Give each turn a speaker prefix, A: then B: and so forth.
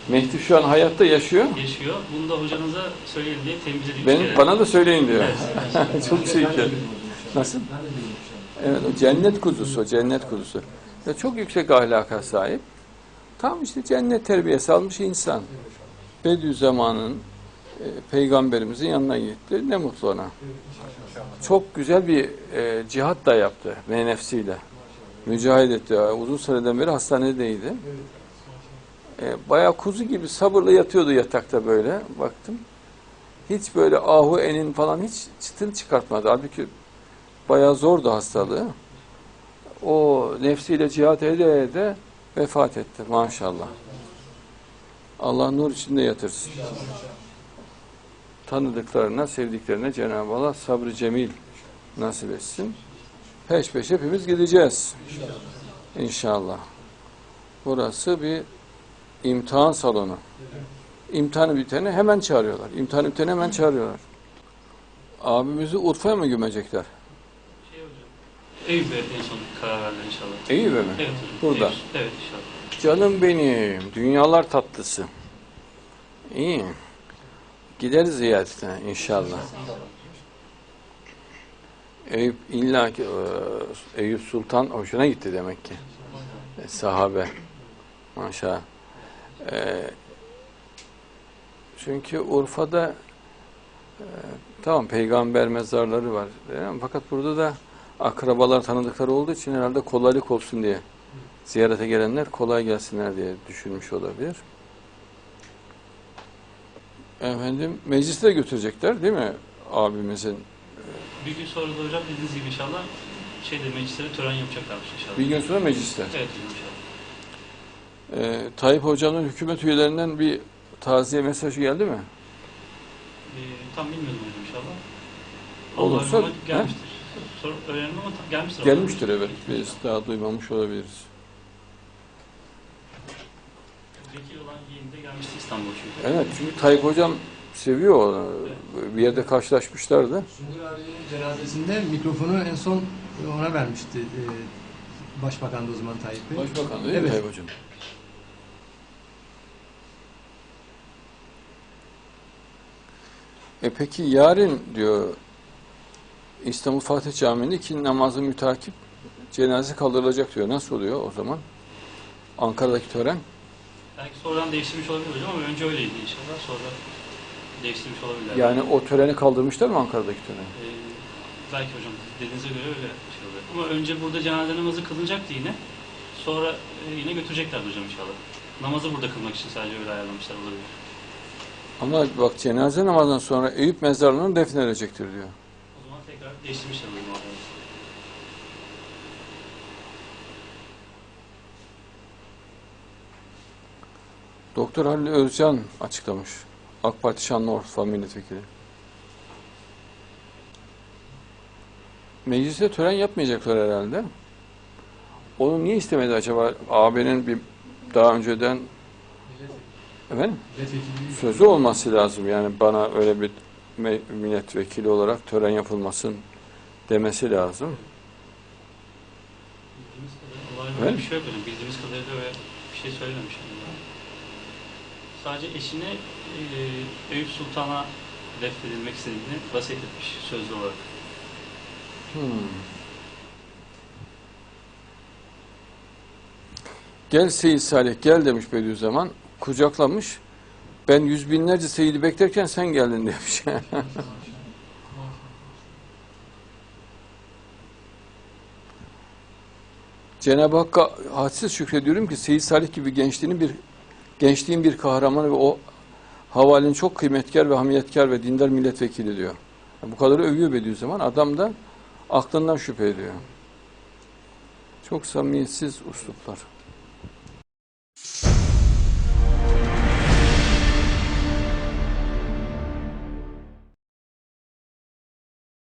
A: Mehdi şu an hayatta yaşıyor.
B: Yaşıyor. Bunu da hocanıza söyleyin diye tembih edip
A: Bana da söyleyin diyor.
B: Evet.
A: Çok şey ki. Nasıl? Evet, o cennet kuzusu, cennet kuzusu. Ya çok yüksek ahlaka sahip. Tam işte cennet terbiyesi almış insan. Bediüzzaman'ın peygamberimizin yanına gitti. Ne mutlu ona. Çok güzel bir cihat da yaptı ve nefsiyle. Mücahit etti. Uzun süreden beri hastanedeydi. Bayağı kuzu gibi sabırla yatıyordu yatakta böyle. Baktım. Hiç böyle ahu enin falan hiç çıtını çıkartmadı. Halbuki bayağı zordu hastalığı. O nefsiyle cihat ede ede vefat etti maşallah. Allah nur içinde yatırsın. Tanıdıklarına, sevdiklerine Cenab-ı Allah sabrı cemil nasip etsin. Peş peşe hepimiz gideceğiz. İnşallah. Burası bir imtihan salonu. İmtihanı bitene hemen çağırıyorlar. İmtihanı bitene hemen çağırıyorlar. Abimizi Urfa'ya mı gömecekler?
B: Eyüp'e en son karar verdiler inşallah.
A: Eyüp'e mi?
B: Evet hocam.
A: Burada.
B: Eyüp. Evet inşallah.
A: Canım benim, dünyalar tatlısı. İyi. Gideriz ziyaretine inşallah. Eyüp illa ki Eyüp Sultan hoşuna gitti demek ki. Sahabe. Maşallah. Çünkü Urfa'da tamam peygamber mezarları var. Fakat burada da akrabalar tanıdıkları olduğu için herhalde kolaylık olsun diye ziyarete gelenler kolay gelsinler diye düşünmüş olabilir. Efendim mecliste götürecekler değil mi abimizin?
B: Bir gün sonra da hocam dediğiniz gibi inşallah mecliste tören yapacaklarmış inşallah.
A: Bir gün sonra mecliste.
B: Evet hocam inşallah.
A: Tayyip Hoca'nın hükümet üyelerinden bir taziye mesajı geldi mi?
B: Tam bilmiyorum hocam inşallah.
A: Olursa
B: Allah gelmiştir. Sonra öğrendim ama gelmiştir.
A: Gelmiştir evet. Biz daha duymamış olabiliriz.
B: Vekil olan yeğeni de gelmişti İstanbul'a çünkü.
A: Evet çünkü Tayyip Hocam seviyor onu. Bir yerde karşılaşmışlardı.
C: Sungur abinin cenazesinde mikrofonu en son ona vermişti. Başbakan da o zaman Tayyip Bey.
A: Başbakan değil mi
C: Evet.
A: Tayyip Hocam? Peki yarın diyor İstanbul Fatih Camii'nde iki namazı mütakip cenaze kaldırılacak diyor. Nasıl oluyor o zaman? Ankara'daki tören?
B: Belki sonradan değiştirmiş olabilir hocam ama önce öyleydi inşallah. Sonra değiştirmiş olabilirler.
A: Yani o töreni kaldırmışlar mı Ankara'daki töreni?
B: Belki hocam dediğinize göre öyle şey oluyor. Ama önce burada cenaze namazı kılınacaktı yine. Sonra yine götürecekler hocam inşallah. Namazı burada kılmak için sadece öyle ayarlamışlar olabilir.
A: Ama bak cenaze namazından sonra Eyüp mezarlığına defnedilecektir diyor.
B: O zaman tekrar değiştirmişler hocam orada.
A: Doktor Halil Özcan açıklamış. AK Parti Şanlıurfa Milletvekili. Mecliste tören yapmayacaklar herhalde. Onu niye istemedi acaba? AB'nin bir daha önceden efendim? Sözü olması lazım. Yani bana öyle bir milletvekili olarak tören yapılmasın demesi lazım.
B: Bildiğimiz kadarıyla öyle bir şey yok hocam. Bildiğimiz kadarıyla öyle bir şey söylememiş. Sadece eşine Eyüp Sultan'a defnedilmek istediğini vasiyet etmiş sözlü olarak.
A: Gel Seyyid Salih gel demiş Bediüzzaman. Kucaklamış. Ben yüz binlerce Seyyid'i beklerken sen geldin demiş. Cenab-ı Hakk'a hadsiz şükrediyorum ki Seyyid Salih gibi gençliğin bir kahramanı ve o havalinin çok kıymetkar ve hamiyetkar ve dindar milletvekili diyor. Bu kadar övüyor Bediüzzaman. Adam da aklından şüphe ediyor. Çok samimiyetsiz usluplar.